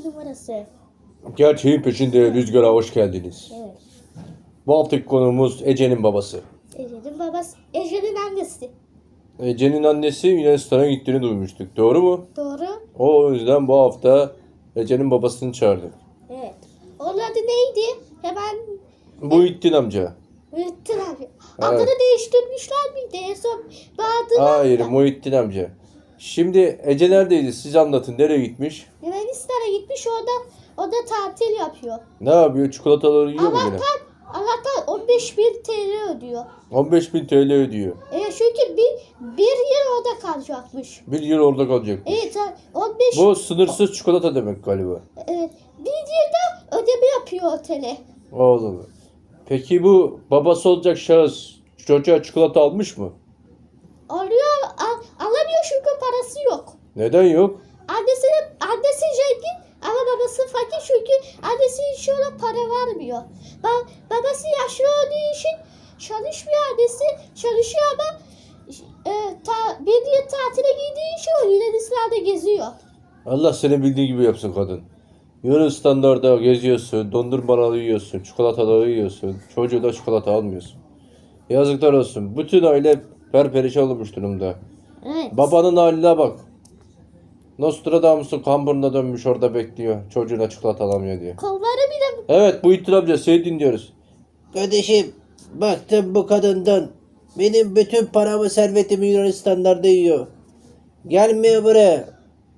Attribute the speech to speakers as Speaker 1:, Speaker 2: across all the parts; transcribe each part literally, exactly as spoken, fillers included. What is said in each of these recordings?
Speaker 1: numarası.
Speaker 2: Gerçeğin peşinde Rüzgar'a hoş geldiniz.
Speaker 1: Evet.
Speaker 2: Bu haftaki konuğumuz Ece'nin babası.
Speaker 1: Ece'nin babası. Ece'nin annesi.
Speaker 2: Ece'nin annesi Yunanistan'a gittiğini duymuştuk. Doğru mu?
Speaker 1: Doğru.
Speaker 2: O yüzden bu hafta Ece'nin babasını çağırdık.
Speaker 1: Evet. Onun adı neydi? Hemen
Speaker 2: Muhittin amca.
Speaker 1: Muhittin abi.
Speaker 2: Evet.
Speaker 1: Adını değiştirmişler miydi? En son Bahadır
Speaker 2: Hayır, Muhittin amca. Şimdi Ece neredeydi? Siz anlatın. Nereye gitmiş?
Speaker 1: Yunanistan'a gitmiş, orada orada tatil yapıyor.
Speaker 2: Ne yapıyor? Çikolataları yiyor mu yine?
Speaker 1: Allah'tan, Allah'tan on beş bin T L ödüyor.
Speaker 2: on beş bin T L ödüyor.
Speaker 1: E, çünkü bir, bir yıl orada kalacakmış.
Speaker 2: Bir yıl orada kalacak.
Speaker 1: Evet, on beş
Speaker 2: Bu sınırsız çikolata demek galiba.
Speaker 1: Evet, bir yılda ödeme yapıyor otele.
Speaker 2: Oğlum. Peki bu babası olacak şahıs çocuğa çikolata almış mı?
Speaker 1: Alıyor, al, alamıyor çünkü parası yok.
Speaker 2: Neden yok?
Speaker 1: Annesi, annesi zengin ama babası fakir çünkü annesi hiç ona para vermiyor. Ba, babası yaşlı olduğu için çalışmıyor, annesi çalışıyor ama e, ta, bir yıl tatile gittiği için o Yunanistan'da geziyor.
Speaker 2: Allah seni bildiği gibi yapsın kadın. Yunanistan'da geziyorsun, dondurmaları yiyorsun, çikolataları yiyorsun. Çocuğu da çikolata almıyorsun. Yazıklar olsun. Bütün aile perperişan olmuş durumda.
Speaker 1: Evet.
Speaker 2: Babanın haline bak. Nostradamus'un kamburuna dönmüş orada bekliyor. Çocuğuna çikolata alamıyor diye.
Speaker 1: Kolları bile
Speaker 2: Evet, bu İttir amca seni dinliyoruz.
Speaker 3: Kardeşim, baktım bu kadından. Benim bütün paramı, servetimi Yunanistanlarda yiyor. Gelmiyor buraya.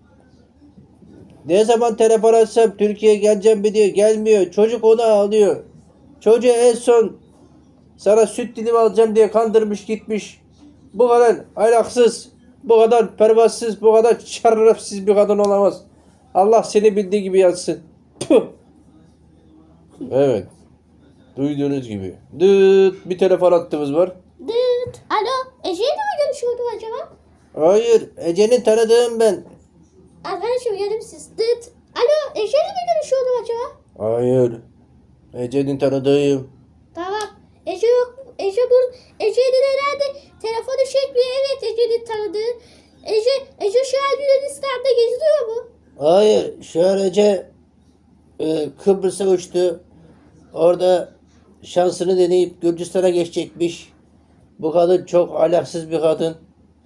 Speaker 3: Ne zaman telefon açsam Türkiye'ye geleceğim mi diyor. Gelmiyor. Çocuk onu ağlıyor. Çocuğu en son sana süt dilimi alacağım diye kandırmış gitmiş. Bu kadar ahlaksız, bu kadar pervasız, bu kadar şerefsiz bir kadın olamaz. Allah seni bildiği gibi yatsın. Tüh.
Speaker 2: Evet. Duyduğunuz gibi. Dıt bir telefon hattımız var.
Speaker 1: dıt. Alo, Ece'yle mi görüşüyordum acaba?
Speaker 3: Hayır, Ece'nin tanıdığım ben.
Speaker 1: Arkadaşım, yedim siz. Dıt. Alo, Ece'yle mi görüşüyordum acaba?
Speaker 2: Hayır. Ece'nin tanıdığım.
Speaker 1: Tamam. Ece yok. Ece bu. Ece'nin herhalde telefonu çekmiyor. Evet, Ece'nin tanıdığı. Ece, Ece şu an Yunanistan'da geziyor mu?
Speaker 3: Hayır, şu an Ece e, Kıbrıs'a uçtu. Orada şansını deneyip Gürcistan'a geçecekmiş. Bu kadın çok ahlaksız bir kadın.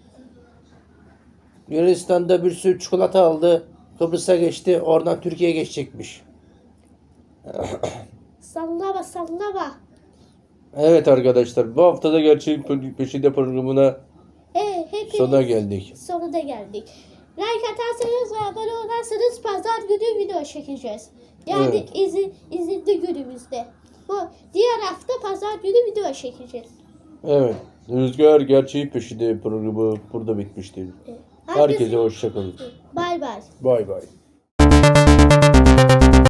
Speaker 3: Yunanistan'da bir sürü çikolata aldı. Kıbrıs'a geçti. Oradan Türkiye'ye geçecekmiş.
Speaker 1: Sallama sallama.
Speaker 2: Evet arkadaşlar, bu haftada Gerçeğin Peşinde programına
Speaker 1: E, hepimiz
Speaker 2: sona geldik.
Speaker 1: sonuna geldik. Like atarsanız ve abone olursanız pazar günü video çekeceğiz. Yani
Speaker 2: Evet.
Speaker 1: izin, izinli günümüzde. Bu diğer hafta pazar günü video çekeceğiz.
Speaker 2: Evet. Rüzgar Gerçeğin Peşinde programı burada bitmiştir.
Speaker 1: Evet.
Speaker 2: Herkese hoşça kalın.
Speaker 1: Bay bay.
Speaker 2: Bay bay.